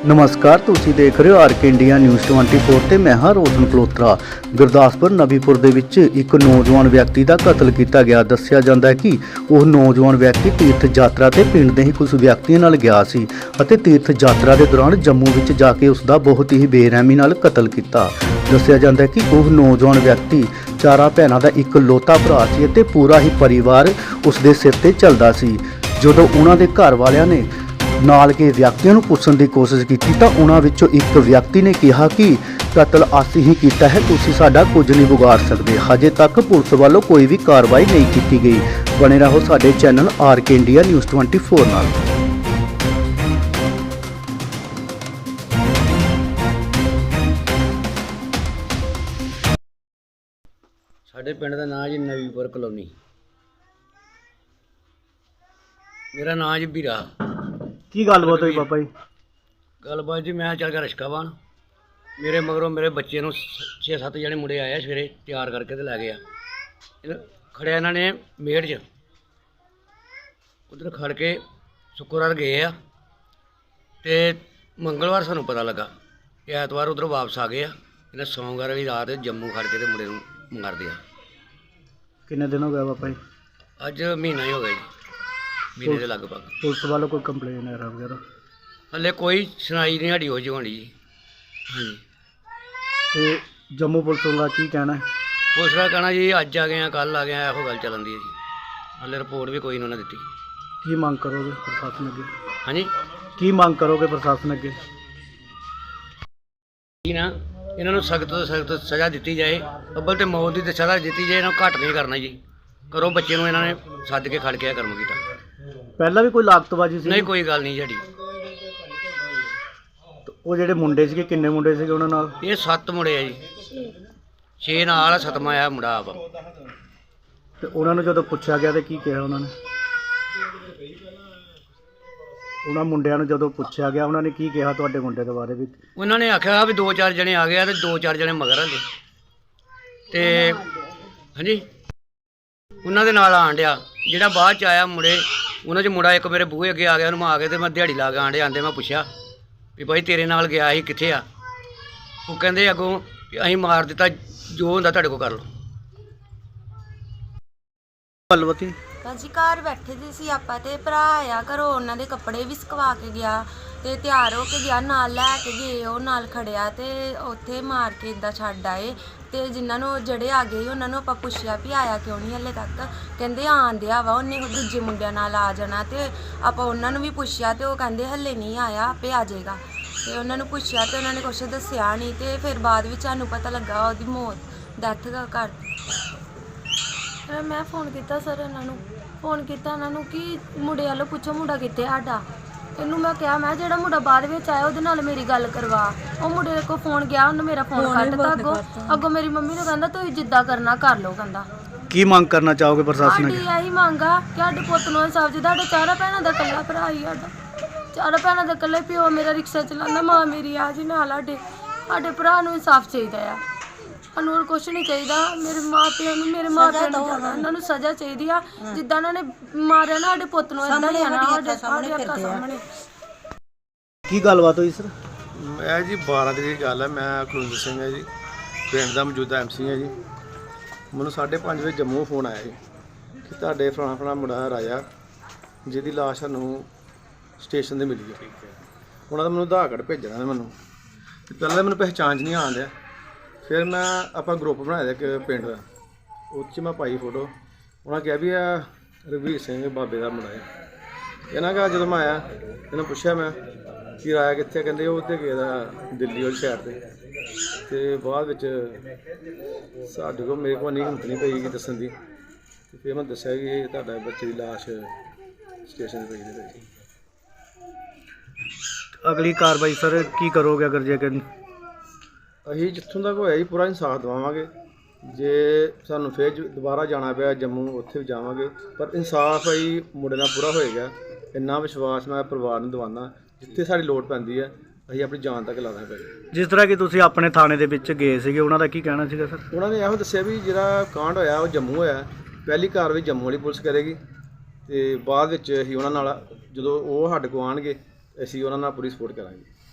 ਨਮਸਕਾਰ, ਤੁਸੀਂ ਦੇਖ ਰਹੇ ਹੋ ਆਰਕੇ ਇੰਡੀਆ ਨਿਊਜ਼ 24 ਤੇ ਮੈਂ ਹਾਂ ਰੋਸ਼ਨ ਕਲੋਤਰਾ। ਗੁਰਦਾਸਪੁਰ ਨਬੀਪੁਰ ਦੇ ਵਿੱਚ ਇੱਕ ਨੌਜਵਾਨ ਵਿਅਕਤੀ ਦਾ ਕਤਲ ਕੀਤਾ ਗਿਆ। ਦੱਸਿਆ ਜਾਂਦਾ ਹੈ ਕਿ ਉਹ ਨੌਜਵਾਨ ਵਿਅਕਤੀ ਤੀਰਥ ਯਾਤਰਾ ਤੇ ਪਿੰਡ ਦੇ ਹੀ ਕੁਝ ਵਿਅਕਤੀਆਂ ਨਾਲ ਗਿਆ ਸੀ ਅਤੇ ਤੀਰਥ ਯਾਤਰਾ ਦੇ ਦੌਰਾਨ ਜੰਮੂ ਵਿੱਚ ਜਾ ਕੇ ਉਸ ਦਾ ਬਹੁਤ ਹੀ ਬੇਰਹਿਮੀ ਨਾਲ ਕਤਲ ਕੀਤਾ। ਦੱਸਿਆ ਜਾਂਦਾ ਹੈ ਕਿ ਉਹ ਨੌਜਵਾਨ ਵਿਅਕਤੀ ਚਾਰਾਂ ਭੈਣਾਂ ਦਾ ਇਕਲੌਤਾ ਭਰਾ ਸੀ ਅਤੇ ਪੂਰਾ ਹੀ ਪਰਿਵਾਰ ਉਸ ਦੇ ਸਿਰ ਤੇ ਚੱਲਦਾ ਸੀ। ਜਦੋਂ ਉਹਨਾਂ ਦੇ ਘਰ ਵਾਲਿਆਂ ਨੇ ਨਾਲ ਕੇ ਵਿਅਕਤੀਆਂ ਨੂੰ ਪੁੱਛਣ ਦੀ ਕੋਸ਼ਿਸ਼ ਕੀਤੀ ਤਾਂ ਉਹਨਾਂ ਵਿੱਚੋਂ ਇੱਕ ਵਿਅਕਤੀ ਨੇ ਕਿਹਾ ਕਿ ਕਤਲ ਅਸੀਂ ਹੀ ਕੀਤਾ ਹੈ, ਤੁਸੀਂ ਸਾਡਾ ਕੁਝ ਨਹੀਂ ਵਿਗਾੜ ਸਕਦੇ। ਹਜੇ ਤੱਕ ਪੁਲਿਸ ਵੱਲੋਂ ਕੋਈ ਵੀ ਕਾਰਵਾਈ ਨਹੀਂ ਕੀਤੀ ਗਈ। ਬਣੇ ਰਹੋ ਸਾਡੇ ਚੈਨਲ ਆਰਕੇ ਇੰਡੀਆ ਨਿਊਜ਼ 24 ਨਾਲ। ਸਾਡੇ ਪਿੰਡ ਦਾ ਨਾਂ ਜੀ ਨਵੀਪੁਰ ਕਲੋਨੀ। ਮੇਰਾ ਨਾਂ ਜੀ ਵੀਰਾ। ਕੀ ਗੱਲਬਾਤ ਹੋਈ ਬਾਬਾ ਜੀ? ਗੱਲਬਾਤ ਜੀ, ਮੈਂ ਚੱਲ ਗਿਆ ਰਿਸ਼ਕਾਵਾਨ। ਮੇਰੇ ਮਗਰੋਂ ਮੇਰੇ ਬੱਚੇ ਨੂੰ 6-7 ਜਣੇ ਮੁੰਡੇ ਆਏ ਸਵੇਰੇ ਤਿਆਰ ਕਰਕੇ ਤੇ ਲੈ ਗਏ ਆ। ਖੜਿਆ ਇਹਨਾਂ ਨੇ ਮੇੜ 'ਚ, ਉਧਰ ਖੜ ਕੇ ਸ਼ੁੱਕਰਵਾਰ ਗਏ ਆ ਤੇ ਮੰਗਲਵਾਰ ਸਾਨੂੰ ਪਤਾ ਲੱਗਾ ਕਿ ਐਤਵਾਰ ਉਧਰ ਵਾਪਸ ਆ ਗਏ ਆ। ਇਹਨਾਂ ਸੋਮਵਾਰ ਵਾਲੀ ਰਾਤ ਜੰਮੂ ਖੜ ਕੇ ਤੇ ਮੁੰਡੇ ਨੂੰ ਮਾਰਦੇ ਆ। ਕਿੰਨੇ ਦਿਨ ਹੋ ਗਏ ਬਾਬਾ ਜੀ? ਅੱਜ ਮਹੀਨਾ ਹੀ ਹੋ ਗਿਆ ਜੀ, ਮਹੀਨੇ ਦੇ ਲਗਭਗ। ਪੁਲਿਸ ਵੱਲੋਂ ਕੋਈ ਕੰਪਲੇਨ ਵਗੈਰਾ ਹਲੇ ਕੋਈ ਸੁਣਾਈ ਨਹੀਂ ਸਾਡੀ ਹੋ ਜੀ ਹੋਣੀ ਜੀ। ਹਾਂਜੀ, ਤੇ ਜੰਮੂ ਪੁਲਿਸ ਦਾ ਕੀ ਕਹਿਣਾ ਹੈ? ਪੁਲਿਸ ਦਾ ਕਹਿਣਾ ਜੀ ਅੱਜ ਆ ਗਏ ਆ, ਕੱਲ ਆ ਗਏ ਆ, ਇਹੋ ਗੱਲ ਚੱਲਣ ਦੀ ਹੈ ਜੀ। ਹਲੇ ਰਿਪੋਰਟ ਵੀ ਕੋਈ ਨਹੀਂ ਉਹਨਾਂ ਦਿੱਤੀ। ਕੀ ਮੰਗ ਕਰੋਗੇ ਪ੍ਰਸ਼ਾਸਨ ਅੱਗੇ? ਹਾਂਜੀ, ਕੀ ਮੰਗ ਕਰੋਗੇ ਪ੍ਰਸ਼ਾਸਨ ਅੱਗੇ? ਕੀ ਨਾ ਇਹਨਾਂ ਨੂੰ ਸਖਤ ਤੋਂ ਸਖਤ ਸਜ਼ਾ ਦਿੱਤੀ ਜਾਏ। ਅੱਬਲ ਤੇ ਮੌਤ ਦੀ ਤਾਂ ਸਜ਼ਾ ਦਿੱਤੀ ਜਾਏ, ਇਹਨਾਂ ਨੂੰ ਘੱਟ ਨਹੀਂ ਕਰਨਾ ਜੀ। ਕਰੋ ਬੱਚੇ ਨੂੰ ਇਹਨਾਂ ਨੇ ਸੱਦ ਕੇ ਖੜ ਕੇ ਇਹ ਕਰਮ ਕੀਤਾ। ਪਹਿਲਾਂ ਵੀ ਕੋਈ ਲਾਗਤਬਾਜ਼ੀ ਸੀ? ਨਹੀਂ, ਕੋਈ ਗੱਲ ਨਹੀਂ ਸਾਡੀ। ਉਹ ਜਿਹੜੇ ਮੁੰਡੇ ਸੀਗੇ, ਕਿੰਨੇ ਮੁੰਡੇ ਸੀਗੇ ਉਹਨਾਂ ਨਾਲ? ਇਹ 7 ਮੁੰਡੇ ਆ ਜੀ, 6 ਨਾਲ, 7ਵਾਂ ਆ ਮੁੰਡਾ ਆਪ। ਤੇ ਉਹਨਾਂ ਨੂੰ ਜਦੋਂ ਪੁੱਛਿਆ ਗਿਆ ਤੇ ਕੀ ਕਿਹਾ ਉਹਨਾਂ ਨੇ? ਉਹਨਾਂ ਮੁੰਡਿਆਂ ਨੂੰ ਜਦੋਂ ਪੁੱਛਿਆ ਗਿਆ ਉਹਨਾਂ ਨੇ ਕੀ ਕਿਹਾ ਤੁਹਾਡੇ ਮੁੰਡੇ ਦੇ ਬਾਰੇ ਵਿੱਚ? ਉਹਨਾਂ ਨੇ ਆਖਿਆ ਵੀ 2-4 ਜਣੇ ਆ ਗਏ ਆ ਤੇ 2-4 ਜਣੇ ਮਗਰ ਹਲੇ ਤੇ ਹਾਂਜੀ ਉਹਨਾਂ ਦੇ ਨਾਲ ਆਣ ਡਿਆ। ਜਿਹੜਾ ਬਾਅਦ 'ਚ ਆਇਆ ਮੁੰਡੇ, ਉਹਨਾਂ 'ਚ ਮੁੰਡਾ ਇੱਕ ਮੇਰੇ ਬੂਹੇ ਅੱਗੇ ਆ ਗਿਆ। ਉਹਨੂੰ ਮੈਂ ਆ ਕੇ ਤੇ ਮੈਂ ਦਿਹਾੜੀ ਲਾ ਕੇ ਆਂਡੇ ਆਂਦੇ ਮੈਂ ਪੁੱਛਿਆ ਵੀ ਭਾਈ ਤੇਰੇ ਨਾਲ ਗਿਆ ਸੀ, ਕਿੱਥੇ ਆ? ਉਹ ਕਹਿੰਦੇ ਅੱਗੋਂ ਵੀ ਅਸੀਂ ਮਾਰ ਦਿੱਤਾ, ਜੋ ਹੁੰਦਾ ਤੁਹਾਡੇ ਕੋਲ ਕਰ ਲਓ। ਗੱਲਬਾਤ ਭਾਜੀ ਘਰ ਬੈਠੇ ਦੇ ਸੀ ਆਪਾਂ ਤੇ ਭਰਾ ਆਇਆ ਘਰੋਂ, ਉਹਨਾਂ ਦੇ ਕੱਪੜੇ ਵੀ ਸੁਕਵਾ ਕੇ ਗਿਆ ਤੇ ਤਿਆਰ ਹੋ ਕੇ ਗਿਆ, ਨਾਲ ਲੈ ਕੇ ਗਏ, ਉਹ ਨਾਲ ਖੜਿਆ ਤੇ ਉੱਥੇ ਮਾਰ ਕੇ ਇੱਦਾਂ ਛੱਡ ਆਏ। ਤੇ ਜਿਨ੍ਹਾਂ ਨੂੰ ਜਿਹੜੇ ਆ ਗਏ ਉਹਨਾਂ ਨੂੰ ਆਪਾਂ ਪੁੱਛਿਆ ਵੀ ਆਇਆ ਕਿਉਂ ਨਹੀਂ ਹਲੇ ਤੱਕ, ਕਹਿੰਦੇ ਆਂਦਿਆ ਵਾ, ਉਹਨੇ ਦੂਜੇ ਮੁੰਡਿਆਂ ਨਾਲ ਆ ਜਾਣਾ। ਤੇ ਆਪਾਂ ਉਹਨਾਂ ਨੂੰ ਵੀ ਪੁੱਛਿਆ ਤੇ ਉਹ ਕਹਿੰਦੇ ਹਲੇ ਨਹੀਂ ਆਇਆ, ਆਪੇ ਆ ਜਾਏਗਾ। ਤੇ ਉਹਨਾਂ ਨੂੰ ਪੁੱਛਿਆ ਤੇ ਉਹਨਾਂ ਨੇ ਕੁਛ ਦੱਸਿਆ ਨਹੀਂ। ਤੇ ਫਿਰ ਬਾਅਦ ਵਿੱਚ ਸਾਨੂੰ ਪਤਾ ਲੱਗਾ ਉਹਦੀ ਮੌਤ, ਡੈਥ ਕਰ। ਮੈਂ ਫੋਨ ਕੀਤਾ ਸਰ, ਇਹਨਾਂ ਨੂੰ ਕਿ ਮੁੰਡੇ ਵੱਲੋਂ ਪੁੱਛੋ ਮੁੰਡਾ ਕਿੱਥੇ ਸਾਡਾ। ਇਹਨੂੰ ਮੈਂ ਕਿਹਾ ਮੈਂ ਜਿਹੜਾ ਮੁੰਡਾ ਬਾਅਦ ਵਿੱਚ ਆਇਆ ਉਹਦੇ ਨਾਲ ਮੇਰੀ ਗੱਲ ਕਰਵਾ। ਉਹ ਮੁੰਡੇ ਕੋਲ ਫੋਨ ਗਿਆ, ਉਹਨੇ ਮੇਰਾ ਫੋਨ ਕੱਟਤਾ। ਅੱਗੋਂ ਮੇਰੀ ਮੰਮੀ ਨੂੰ ਕਹਿੰਦਾ ਤੁਸੀਂ ਜਿੱਦਾਂ ਕਰਨਾ ਕਰ ਲਓ। ਕਹਿੰਦਾ ਕੀ ਮੰਗ ਕਰਨਾ ਚਾਹੋਗੇ ਪ੍ਰਸ਼ਾਸਨ ਅੱਗੇ? ਸਾਡੀ ਇਹੀ ਮੰਗ ਆ ਕਿ ਸਾਡੇ ਪੁੱਤ ਨੂੰ ਇਨਸਾਫ ਜੀ। ਸਾਡੇ 4 ਭੈਣਾਂ ਦਾ ਇਕੱਲਾ ਭਰਾ ਹੀ ਸਾਡਾ, 4 ਭੈਣਾਂ ਦਾ ਇਕੱਲੇ ਪਿਓ ਮੇਰਾ ਰਿਕਸ਼ਾ ਚਲਾਉਂਦਾ, ਮਾਂ ਮੇਰੀ ਆ ਜੀ ਨਾਲ। ਸਾਡੇ ਭਰਾ ਨੂੰ ਇਨਸਾਫ ਚਾਹੀਦਾ ਆ, ਸਾਨੂੰ ਹੋਰ ਕੁਛ ਨਹੀਂ ਚਾਹੀਦਾ। ਮੇਰੇ ਮਾਪਿਆਂ ਨੂੰ ਇਹਨਾਂ ਨੂੰ ਸਜ਼ਾ ਚਾਹੀਦੀ ਆ, ਜਿੱਦਾਂ ਇਹਨਾਂ ਨੇ ਮਾਰਿਆ ਨਾ ਸਾਡੇ ਪੁੱਤ ਨੂੰ, ਏਦਾਂ ਹੀ ਆ ਨਾ ਸਾਡੇ ਸਾਹਮਣੇ। ਕੀ ਗੱਲਬਾਤ ਹੋਈ ਸਰ? ਮੈਂ ਜੀ 12 ਤਰੀਕ ਦੀ ਗੱਲ ਹੈ। ਮੈਂ ਕੁਲਵਿੰਦਰ ਸਿੰਘ ਹੈ ਜੀ, ਪਿੰਡ ਦਾ ਮੌਜੂਦਾ MC ਹੈ ਜੀ। ਮੈਨੂੰ 5:30 ਵਜੇ ਜੰਮੂ ਫੋਨ ਆਇਆ ਜੀ ਕਿ ਤੁਹਾਡੇ ਫਲਾਣਾ ਮੁੰਡਾ ਰਾਜਾ, ਜਿਹਦੀ ਲਾਸ਼ ਸਾਨੂੰ ਸਟੇਸ਼ਨ 'ਤੇ ਮਿਲੀ ਹੈ। ਉਹਨਾਂ ਦਾ ਮੈਨੂੰ ਆਧਾਰ ਕਾਰਡ ਭੇਜਣਾ ਹੈ ਮੈਨੂੰ, ਤੇ ਪਹਿਲਾਂ ਤਾਂ ਮੈਨੂੰ ਪਹਿਚਾਣ 'ਚ ਨਹੀਂ ਆਉਣ ਡਿਆ। ਫਿਰ ਮੈਂ ਆਪਾਂ ਗਰੁੱਪ ਬਣਾਇਆ ਇੱਕ ਪਿੰਡ ਦਾ, ਉਹ 'ਚ ਮੈਂ ਪਾਈ ਫੋਟੋ। ਉਹਨਾਂ ਕਿਹਾ ਵੀ ਆ ਰਘਵੀਰ ਸਿੰਘ ਬਾਬੇ ਦਾ ਮੁੰਡਾ ਹੈ। ਇਹਨਾਂ ਕਹਾ ਜਦੋਂ ਮੈਂ ਆਇਆ ਇਹਨਾਂ ਪੁੱਛਿਆ ਮੈਂ ਕਿ ਰਾਇਆ ਕਿੱਥੇ? ਕਹਿੰਦੇ ਉਹ ਤੇ ਗਿਆ ਦਿੱਲੀ ਵਾਲੀ ਸਾਈਡ 'ਤੇ। ਤੇ ਬਾਅਦ ਵਿੱਚ ਸਾਡੇ ਕੋਲ ਮੇਰੇ ਕੋਲ ਨਹੀਂ ਹਿੰਮਤ ਨਹੀਂ ਪਈ ਕਿ ਦੱਸਣ ਦੀ। ਤੇ ਫਿਰ ਮੈਂ ਦੱਸਿਆ ਕਿ ਇਹ ਤੁਹਾਡਾ ਬੱਚੇ ਦੀ ਲਾਸ਼ ਸਟੇਸ਼ਨ 'ਤੇ ਪਈ ਹੈ। ਅਗਲੀ ਕਾਰਵਾਈ ਸਰ ਕੀ ਕਰੋਗੇ ਅਗਰ ਜੇ ਅਸੀਂ ਜਿੱਥੋਂ ਤੱਕ ਹੋਇਆ ਜੀ ਪੂਰਾ ਇਨਸਾਫ ਦਿਵਾਵਾਂਗੇ। ਜੇ ਸਾਨੂੰ ਫਿਰ ਦੁਬਾਰਾ ਜਾਣਾ ਪਿਆ ਜੰਮੂ, ਉੱਥੇ ਵੀ ਜਾਵਾਂਗੇ, ਪਰ ਇਨਸਾਫ ਅਸੀਂ ਮੁੰਡੇ ਨਾਲ ਪੂਰਾ ਹੋਏਗਾ। ਇੰਨਾ ਵਿਸ਼ਵਾਸ ਮੈਂ ਪਰਿਵਾਰ ਨੂੰ ਦਿਵਾਉਣਾ, ਜਿੱਥੇ ਸਾਡੀ ਲੋੜ ਪੈਂਦੀ ਹੈ ਅਸੀਂ ਆਪਣੀ ਜਾਨ ਤੱਕ ਲਾ ਦਾਂਗੇ। ਜਿਸ ਤਰ੍ਹਾਂ ਕਿ ਤੁਸੀਂ ਆਪਣੇ ਥਾਣੇ ਦੇ ਵਿੱਚ ਗਏ ਸੀਗੇ, ਉਹਨਾਂ ਦਾ ਕੀ ਕਹਿਣਾ ਸੀਗਾ ਸਰ? ਉਹਨਾਂ ਨੇ ਇਹੋ ਦੱਸਿਆ ਵੀ ਜਿਹੜਾ ਕਾਂਡ ਹੋਇਆ ਉਹ ਜੰਮੂ ਹੋਇਆ, ਪਹਿਲੀ ਕਾਰਵਾਈ ਜੰਮੂ ਵਾਲੀ ਪੁਲਿਸ ਕਰੇਗੀ ਤੇ ਬਾਅਦ ਵਿੱਚ ਅਸੀਂ ਉਹਨਾਂ ਨਾਲ ਜਦੋਂ ਉਹ ਸਾਡੇ ਕੋਲ ਆਉਣਗੇ ਅਸੀਂ ਉਹਨਾਂ ਨਾਲ ਪੂਰੀ ਸਪੋਰਟ ਕਰਾਂਗੇ।